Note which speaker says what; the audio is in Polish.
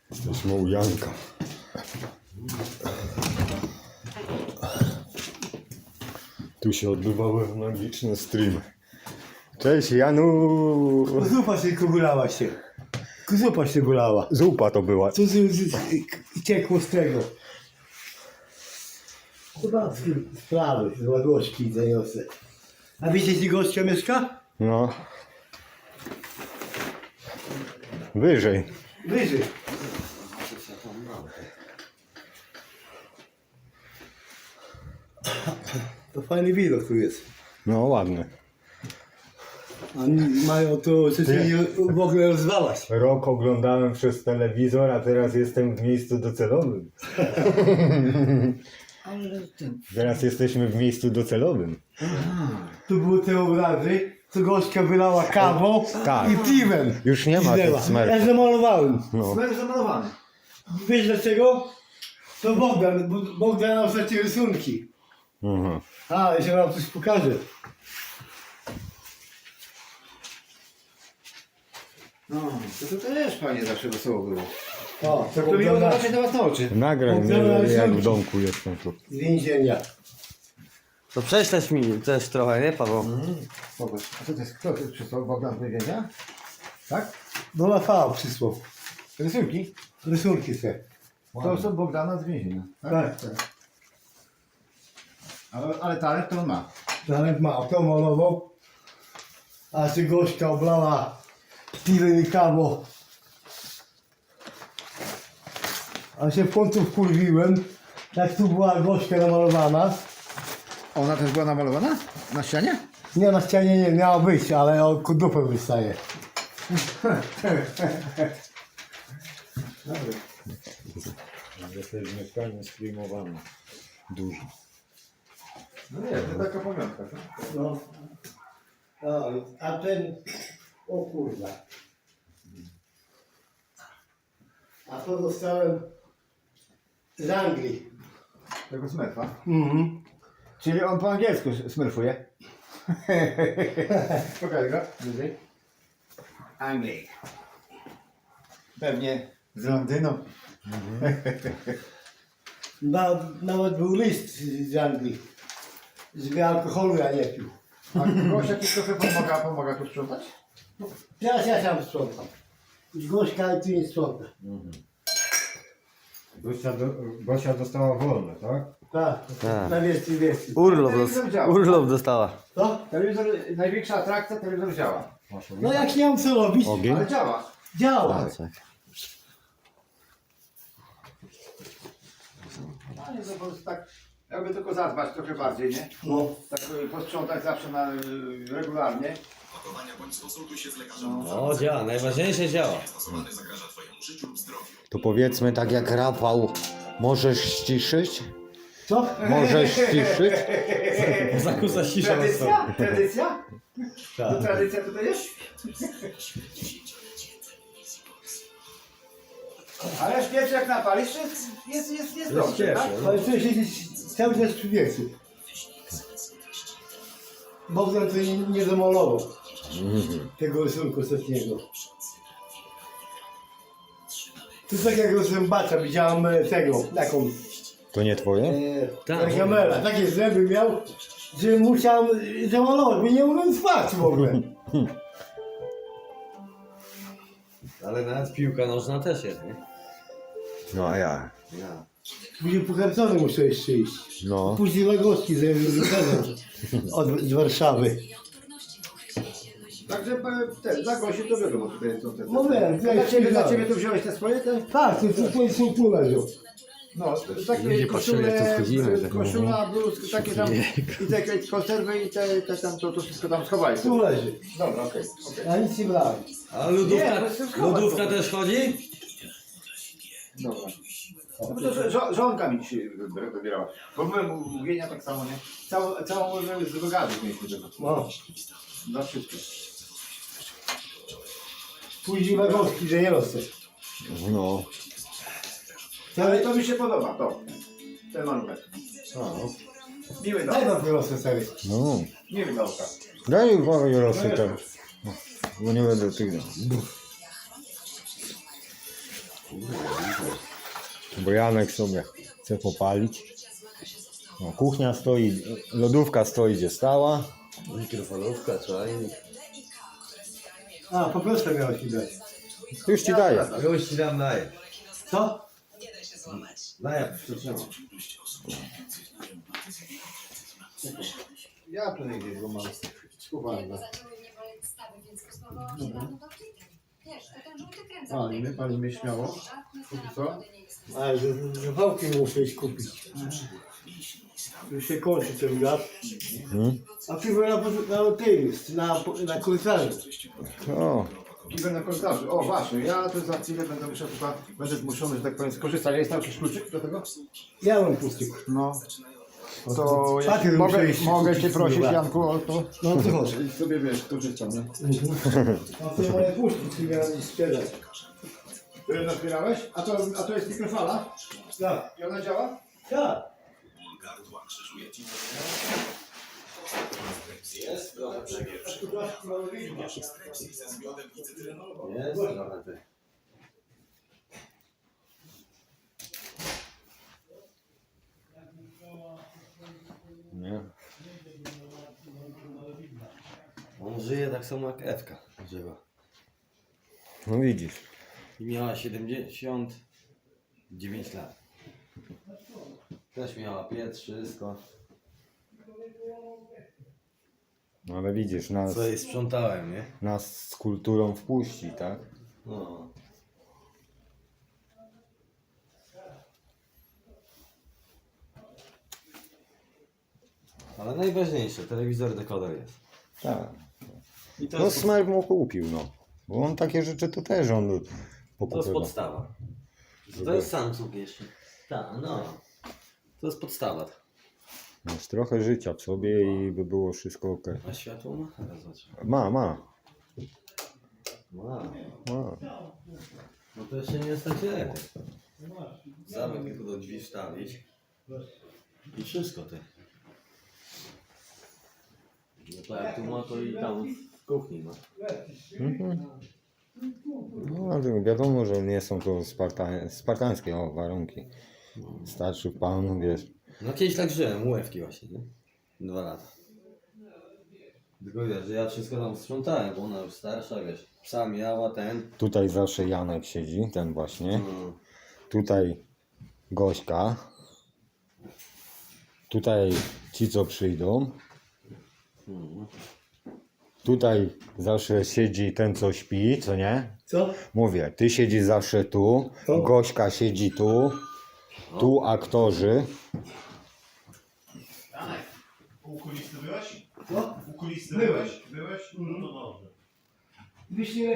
Speaker 1: Jesteśmy u Janka. Tu się odbywały magiczne streamy. Cześć Janu!
Speaker 2: Zupa się gulała się. Zupa się gulała.
Speaker 1: Zupa to była.
Speaker 2: Co ciekło z tego? Chyba sprawy, z ładłości zaniosę. A wiecie, gdzie gościa mieszka?
Speaker 1: No. Wyżej.
Speaker 2: Wyżej. To fajny widok tu jest.
Speaker 1: No ładne.
Speaker 2: Oni mają to, że się nie w ogóle rozwalać.
Speaker 1: Rok oglądałem przez telewizor, a teraz jestem w miejscu docelowym.
Speaker 3: Ale ten...
Speaker 1: Teraz jesteśmy w miejscu docelowym.
Speaker 2: Tu były te obrazy, co gościa wylała kawą
Speaker 1: Tak.
Speaker 2: i piwem.
Speaker 1: Już nie ma
Speaker 2: Piznęła.
Speaker 1: tych smerfów.
Speaker 2: Ja zamalowałem.
Speaker 1: No.
Speaker 2: Smerf zamalowany. Wiesz dlaczego? To Bogdan nam stracił rysunki.
Speaker 1: Mhm.
Speaker 2: A, jeszcze wam coś pokażę.
Speaker 3: No, to też fajnie zawsze wesoło było.
Speaker 2: O, to
Speaker 3: To miło
Speaker 2: Bogdana
Speaker 3: zobaczyć na was na oczy.
Speaker 1: Nagraj mnie, jak w domku jestem tu.
Speaker 2: z więzienia.
Speaker 4: To prześlesz mi też trochę, nie Paweł?
Speaker 3: Popatrz, a co to jest? Kto to jest przysłał? Bogdan z więzienia? Tak?
Speaker 2: Do Rafała przysłał.
Speaker 3: Rysunki?
Speaker 2: Rysunki se.
Speaker 3: To są Bogdana z więzienia.
Speaker 2: Tak.
Speaker 3: Ale talent to on ma.
Speaker 2: Talent ma, to malował. A czy gośka oblała piwem i kawą. A się w końcu wkurwiłem, jak tu była gośka namalowana.
Speaker 3: Ona też była namalowana? Na ścianie?
Speaker 2: Nie, na ścianie nie miała być, ale o dupę wystaje.
Speaker 1: To jest mieszkanie streamowane. Duże.
Speaker 3: No nie, to taka pamiątka.
Speaker 2: No. A ten... O kurwa. A to dostałem z Anglii.
Speaker 3: Tego smerfa.
Speaker 2: Mhm.
Speaker 3: Czyli on po angielsku smerfuje. Pokaż go. Wyżej. Anglii. Pewnie z Londynu.
Speaker 2: Nawet był list z Anglii, żeby alkoholu ja nie pił.
Speaker 3: A Gosia ci trochę pomaga tu sprzątać?
Speaker 2: Teraz ja sam sprzątam. Gośka tu nie sprząta.
Speaker 1: Gosia dostała wolne, tak?
Speaker 2: Tak,
Speaker 4: Tak.
Speaker 2: na wieści.
Speaker 4: Urlop dostała.
Speaker 2: Co?
Speaker 3: Telewizor, największa atrakcja, telewizor działa.
Speaker 2: No jak nie mam co robić,
Speaker 1: Ogień?
Speaker 3: Ale działa.
Speaker 2: działa.
Speaker 4: Tak.
Speaker 3: No nie, to po prostu tak, jakby tylko zadbać trochę bardziej, nie?
Speaker 2: No.
Speaker 3: Tak posprzątać zawsze na, regularnie.
Speaker 4: O, działa, najważniejsze działa.
Speaker 1: To powiedzmy tak jak Rafał, możesz ściszyć?
Speaker 2: Co?
Speaker 1: Możesz ściszyć?
Speaker 4: Zakusa cisza
Speaker 3: Tradycja? Tradycja?
Speaker 2: Tak.
Speaker 3: To tradycja tutaj jest? Ale śpiew jak napalisz, to jest dobrze, tak?
Speaker 2: Ale to się cały czas przy wiecu. Bogdan to nie zamalował tego rysunku ostatniego. To tak jak zębacza widziałem tego, taką
Speaker 1: To nie twoje?
Speaker 2: Gargamela, takie zęby miał, że musiałem zamalować, bo nie mogłem spać w ogóle.
Speaker 4: Ale nawet piłka nożna też jest, nie?
Speaker 1: No a ja.
Speaker 2: Później pokarcony muszę jeszcze iść.
Speaker 1: No.
Speaker 2: Później Lagowski z Warszawy.
Speaker 3: Także dla Gosi to wiadomo, tutaj są te...
Speaker 2: No wiem,
Speaker 3: Dla ciebie to wziąłeś te swoje? Te?
Speaker 2: Tak, to wszystko są tu leżą.
Speaker 3: No, takie
Speaker 4: Ludzie patrzyli, jak tu wchodzimy, tak.
Speaker 3: koszula, bluzki, takie tam, i te konserwy i te tam, to wszystko tam schowali.
Speaker 2: Tu leży.
Speaker 3: Dobra, okej.
Speaker 2: Ja nic nie brałem.
Speaker 4: A
Speaker 3: Nie,
Speaker 4: lodówka,
Speaker 3: ale to jest chować,
Speaker 4: lodówka
Speaker 3: to-
Speaker 4: też chodzi?
Speaker 3: Dobra. No bo to żonka mi dzisiaj wybierała. Bo byłem u Gienia tak samo, nie? Całą z wygadów mieliśmy tego.
Speaker 2: No.
Speaker 3: Za wszystko.
Speaker 2: Później Lagowski, że nie rosę.
Speaker 1: No.
Speaker 3: Ale to mi się podoba, to. Ten malunek. Miły
Speaker 2: Daj
Speaker 3: dał.
Speaker 2: nam wyrosę sobie.
Speaker 1: No.
Speaker 3: Miły dał.
Speaker 1: Daj uwagę Rosy teraz. Bo nie będę tych dał. bo Janek sobie chce popalić. No, kuchnia stoi, lodówka stoi gdzie stała.
Speaker 4: Mikrofalówka, czajnik.
Speaker 2: A, po prostu miałeś mi dać.
Speaker 1: Już ci daję.
Speaker 4: Już ci dam daję.
Speaker 2: Co?
Speaker 4: Daję, przytrzymam.
Speaker 3: Ja tu nie gdzieś go mam. Schowałem go. Palimy śmiało. Póki co?
Speaker 2: Ale że wałki muszę iść kupić. Już się kończy ten gaz. A piwo na korytarzu.
Speaker 1: O,
Speaker 3: Idę na korytarzu. O właśnie, ja tu za chwilę będę musiał chyba, będę zmuszony, że tak powiem, skorzystać. Jest tam jakiś kluczyk do tego?
Speaker 2: Ja mam pustik.
Speaker 3: No. To ja
Speaker 2: Papier
Speaker 3: mogę,
Speaker 2: muszę iść
Speaker 3: mogę
Speaker 2: kupić,
Speaker 3: cię prosić,
Speaker 2: kurwa.
Speaker 3: Janku, o to?
Speaker 2: No to chodź.
Speaker 3: I sobie wiesz, korzystam, nie?
Speaker 2: A to moje puszki, miałem sprzedać.
Speaker 3: Ty nazbierałeś? A to jest mikrofala?
Speaker 2: Tak.
Speaker 3: I ona działa?
Speaker 2: Tak.
Speaker 4: Jest trochę przegierz. Jest trochę ty.
Speaker 1: nie.
Speaker 4: On żyje tak samo jak Ewka żyła.
Speaker 1: No widzisz.
Speaker 4: I miała 79 lat. Też miała piec, wszystko.
Speaker 1: No ale widzisz, nas,
Speaker 4: Co jej sprzątałem, nie?
Speaker 1: nas z kulturą wpuści, tak?
Speaker 4: No. Ale najważniejsze, telewizor, dekoder jest.
Speaker 1: Tak.
Speaker 4: I to
Speaker 1: No
Speaker 4: jest,
Speaker 1: Smerf mu kupił, no. Bo on takie rzeczy to też on
Speaker 4: to jest
Speaker 1: pokupywał.
Speaker 4: podstawa. To jest Samsung jeszcze. Tak, no. To jest podstawa.
Speaker 1: Masz trochę życia w sobie i by było wszystko ok.
Speaker 4: A światło ma? Teraz zobaczę.
Speaker 1: Ma.
Speaker 4: Ma.
Speaker 1: Ma.
Speaker 4: No to jeszcze nie jest tak źle. Zamek tylko do drzwi wstawić. I wszystko ty. No tak jak tu ma, to i tam w kuchni ma.
Speaker 1: Mhm. No ale wiadomo, że nie są to spartańskie warunki. Starszy pan, wiesz.
Speaker 4: No kiedyś tak żyłem, łewki właśnie, nie? 2 lata. Tylko wiesz, że ja wszystko tam sprzątałem, bo ona już starsza, wiesz. Psa miała, ten.
Speaker 1: Tutaj zawsze Janek siedzi, ten właśnie.
Speaker 4: No.
Speaker 1: Tutaj Gośka. Tutaj ci, co przyjdą. Tutaj zawsze siedzi ten, co śpi, co nie?
Speaker 2: Co?
Speaker 1: Mówię, ty siedzisz zawsze tu,
Speaker 2: O.
Speaker 1: Gośka siedzi tu, tu aktorzy.
Speaker 5: Janek, u kulisty byłeś?
Speaker 2: Co?
Speaker 5: U kulisty
Speaker 2: Byłem.
Speaker 5: byłeś? Byłeś? No to dobrze.
Speaker 2: Wyślij